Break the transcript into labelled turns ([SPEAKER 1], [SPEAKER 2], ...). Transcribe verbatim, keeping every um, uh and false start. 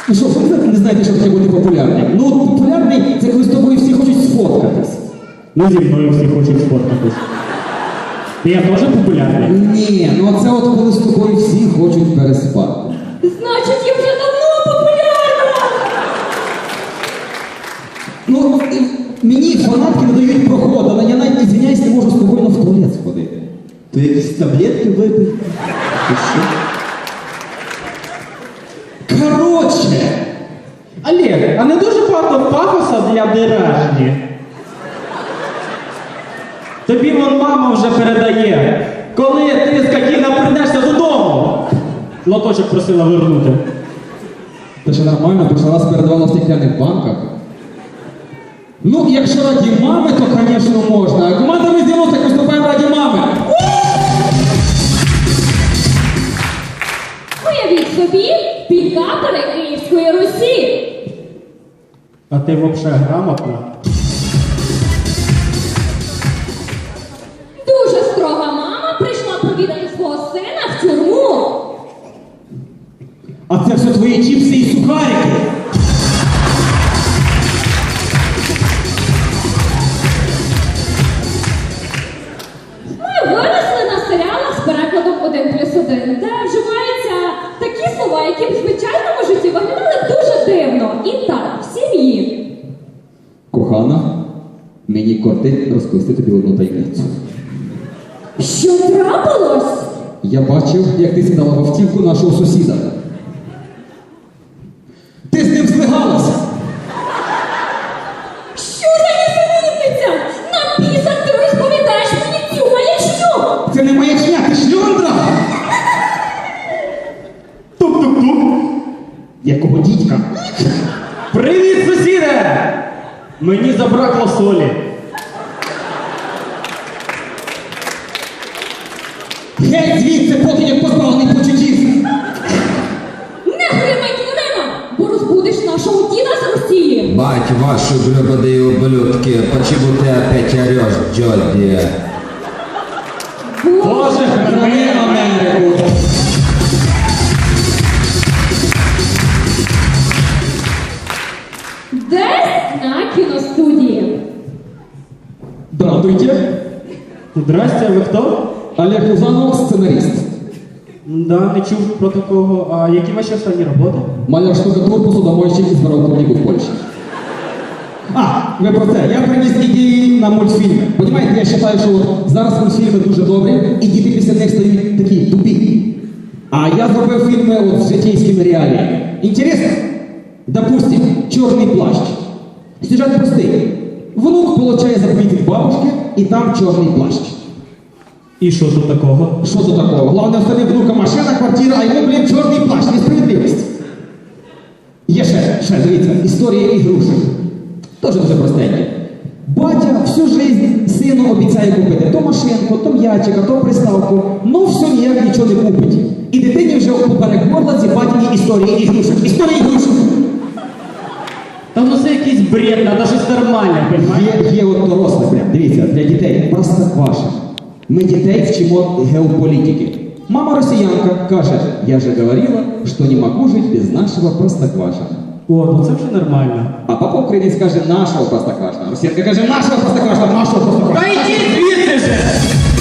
[SPEAKER 1] Ну що, ви не знаєте, що таке бути популярним? Ну, от популярний – це коли з тобою всі хочуть сфоткатись.
[SPEAKER 2] Ну, зі мною всі хочуть сфоткатись. Я теж популярний?
[SPEAKER 1] Ні, ну це от коли з тобою всі хочуть переспати.
[SPEAKER 3] Значить, я вже давно популярна!
[SPEAKER 1] Ну, і мені фанатки не дають проходу, але я навіть, извиняюсь, не можу спокійно в туалет сходити. То якісь таблетки випив? Ти що? Короче!
[SPEAKER 2] Олег, а не дуже багато пафоса для дережні? Тобі вон мама вже передає. Коли ти, скотина, прийдешся додому? Лоточок просила вернути.
[SPEAKER 1] Та ще нормально, перший раз передавала в стекляних банках. Ну, якщо раді мами, то, звісно, можна. А команда ми з'явилася, так виступаємо раді мами.
[SPEAKER 3] Уявіть собі, пікапери Київської Русі.
[SPEAKER 2] А ти взагалі грамотна?
[SPEAKER 3] Дуже строга мама прийшла провідати свого сина в тюрму.
[SPEAKER 1] А це все твої чіпси і сухарики.
[SPEAKER 3] Ми виросли на серіалах з перекладом один плюс один, де вживаються такі слова, які в звичайному житті виглядали б дуже дивно. І так, в сім'ї.
[SPEAKER 1] Кохана, мені кортить розповісти тобі одну таємницю.
[SPEAKER 3] Що трапилось?
[SPEAKER 1] Я бачив, як ти сідала в автівку нашого сусіда. Ти з ним злигалася.
[SPEAKER 3] Що за нісенітниця? На пісах ти розповідаєш мені цю маячню!
[SPEAKER 1] Це не маячня, ти шльондра!
[SPEAKER 2] Тук-тук-тук.
[SPEAKER 1] Якого дідька?
[SPEAKER 2] Привіт, сусіде! Мені забракло солі.
[SPEAKER 1] Геть звідси, поки як позбавлений почуттів!
[SPEAKER 3] Не гримай дверима, бо розбудиш нашого діда з Росії!
[SPEAKER 4] Бать ваши гребаные ублюдки, почему ты опять орешь, Джоди?
[SPEAKER 2] Боже,
[SPEAKER 1] Храни Америку!
[SPEAKER 3] Десь на кіностудії.
[SPEAKER 1] Здравствуйте!
[SPEAKER 2] Здрасте, ви хто?
[SPEAKER 1] Олег Лузанов, сценарист.
[SPEAKER 2] Да, не чув про такого. А які ваші останні роботи?
[SPEAKER 1] Маляр штукатур, посудомойщик із Воровковнику в Польщі. А, ви про це. Я приніс ідеї на мультфільми. Понімаєте, я вважаю, що от зараз мультфільми дуже добрі, і діти після них стають такі тупі. А я зробив фільми от з житейськими реаліями. Інтересно? Допустим, «Чорний плащ». Сюжет простий. Внук получає заповідь від бабушки, і там чорний плащ.
[SPEAKER 2] І що тут такого?
[SPEAKER 1] Що тут такого? Головне, в тобі внука машина, квартира, а йому, блін, чорний плащ. Несправедливість. Є ще, ще, дивіться, історія ігрушок. Тоже дуже простеньке. Батя всю жизнь сину обіцяє купити то машинку, то м'ячика, то приставку, но все ніяк нічого не купить. І дитині вже поперек горла ці батіні історії ігрушок. Історія ігрушок.
[SPEAKER 2] Та ну це якийсь бред, надо щось нормальне, понімаєш?
[SPEAKER 1] Є, є от доросле прям, дивіться, для дітей, простокваша. Ми дітей вчимо геополітики. Мама росіянка каже, я же говорила, що не можу жити без нашого простокваша.
[SPEAKER 2] О, ну це вже нормально.
[SPEAKER 1] А папа українець каже, нашого простокваша. Росіянка каже, нашого простокваша, нашого простокваша.
[SPEAKER 2] Та йди звідси же!